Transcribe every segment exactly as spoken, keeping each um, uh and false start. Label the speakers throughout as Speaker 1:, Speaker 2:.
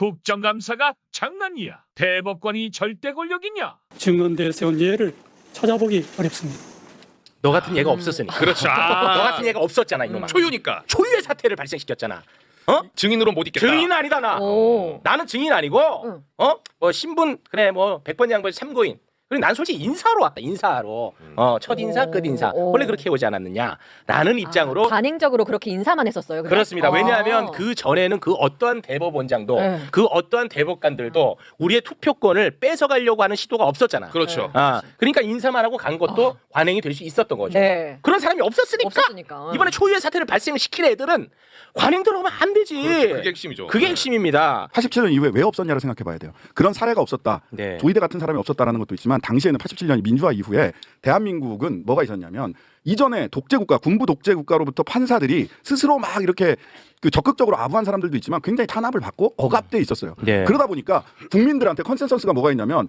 Speaker 1: 국정감사가 장난이야. 대법관이 절대 권력이냐?
Speaker 2: 증언대에 세운 예를 찾아보기 어렵습니다.
Speaker 3: 너 같은 얘가 없었으니까.
Speaker 4: 그렇죠.
Speaker 3: 너
Speaker 4: 아,
Speaker 3: 같은 얘가 없었잖아 이놈아.
Speaker 4: 초유니까
Speaker 3: 초유의 사태를 발생시켰잖아. 어?
Speaker 4: 증인으로 못 있겠다.
Speaker 3: 증인 아니다 나.
Speaker 5: 오.
Speaker 3: 나는 증인 아니고
Speaker 5: 응.
Speaker 3: 어? 뭐 신분 그래 뭐 백번 양보에서 참고인. 그리고 난 솔직히 인사하러 왔다. 인사하러. 어, 첫 인사,
Speaker 5: 오.
Speaker 3: 끝 인사.
Speaker 5: 오.
Speaker 3: 원래 그렇게 오지 않았느냐? 라는 입장으로
Speaker 5: 아, 관행적으로 그렇게 인사만 했었어요. 그냥?
Speaker 3: 그렇습니다. 왜냐하면
Speaker 5: 아.
Speaker 3: 그 전에는 그 어떠한 대법원장도
Speaker 5: 네.
Speaker 3: 그 어떠한 대법관들도 우리의 투표권을 뺏어가려고 하는 시도가 없었잖아.
Speaker 4: 그렇죠.
Speaker 3: 아, 그러니까 인사만 하고 간 것도 관행이 될 수 있었던 거죠.
Speaker 5: 네.
Speaker 3: 그런 사람이 없었으니까,
Speaker 5: 없었으니까.
Speaker 3: 이번에 초유의 사태를 발생시킨 애들은 관행 들어오면 안 되지.
Speaker 4: 그렇죠. 그게 핵심이죠.
Speaker 3: 그게 핵심입니다.
Speaker 6: 팔십칠 년 이후에 왜 없었냐를 생각해 봐야 돼요. 그런 사례가 없었다.
Speaker 3: 네.
Speaker 6: 조이대 같은 사람이 없었다라는 것도 있지만 당시에는 팔십칠 년 민주화 이후에 대한민국은 뭐가 있었냐면 이전에 독재국가, 군부 독재국가로부터 판사들이 스스로 막 이렇게 그 적극적으로 아부한 사람들도 있지만 굉장히 탄압을 받고 억압돼 있었어요.
Speaker 3: 네.
Speaker 6: 그러다 보니까 국민들한테 컨센서스가 뭐가 있냐면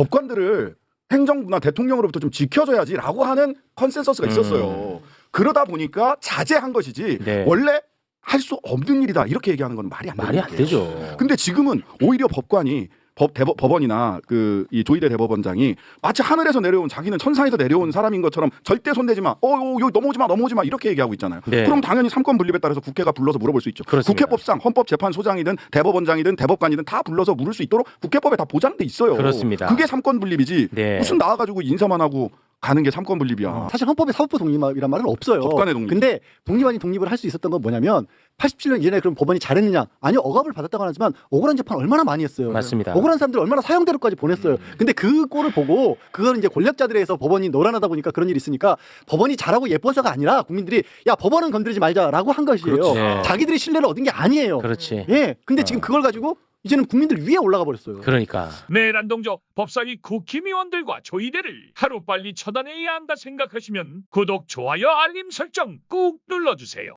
Speaker 6: 법관들을 행정부나 대통령으로부터 좀 지켜줘야지라고 하는 컨센서스가 있었어요. 그러다 보니까 자제한 것이지
Speaker 3: 네.
Speaker 6: 원래 할 수 없는 일이다 이렇게 얘기하는 건 말이 안 되는
Speaker 3: 말이 안
Speaker 6: 거예요.
Speaker 3: 되죠.
Speaker 6: 근데 지금은 오히려 법관이 법 대법, 법원이나 그 이 조이대 대법원장이 마치 하늘에서 내려온 자기는 천상에서 내려온 사람인 것처럼 절대 손대지 마. 어, 어 여기 넘어오지 마, 넘어오지 마 이렇게 얘기하고 있잖아요.
Speaker 3: 네.
Speaker 6: 그럼 당연히 삼권 분립에 따라서 국회가 불러서 물어볼 수 있죠.
Speaker 3: 그렇습니다.
Speaker 6: 국회법상 헌법재판소장이든 대법원장이든 대법관이든 다 불러서 물을 수 있도록 국회법에 다 보장돼 있어요.
Speaker 3: 그렇습니다.
Speaker 6: 그게 삼권 분립이지.
Speaker 3: 네.
Speaker 6: 무슨 나와가지고 인사만 하고 가는 게 삼권 분립이야.
Speaker 7: 사실 헌법에 사법부 독립이란 말은 없어요.
Speaker 6: 법관의 독립.
Speaker 7: 근데 독립 아닌 독립을 할 수 있었던 건 뭐냐면 팔십칠 년 이전에 그럼 법원이 잘했느냐? 아니요, 억압을 받았다고 하지만 억울한 재판 얼마나 많이 했어요.
Speaker 3: 맞습니다.
Speaker 7: 억울한 사람들 얼마나 사형대로까지 보냈어요. 근데 그 꼴을 보고 그걸 이제 권력자들에 의해서 법원이 노란하다 보니까 그런 일이 있으니까 법원이 잘하고 예뻐서가 아니라 국민들이 야 법원은 건드리지 말자라고 한 것이에요.
Speaker 3: 그렇지. 네.
Speaker 7: 자기들이 신뢰를 얻은 게 아니에요.
Speaker 3: 그렇지.
Speaker 7: 예. 근데
Speaker 3: 어.
Speaker 7: 지금 그걸 가지고 이제는 국민들 위에 올라가 버렸어요.
Speaker 3: 그러니까.
Speaker 1: 내란동조 법사위 국힘의원들과 조이대를 하루빨리 처단해야 한다 생각하시면 구독, 좋아요, 알림 설정 꾹 눌러주세요.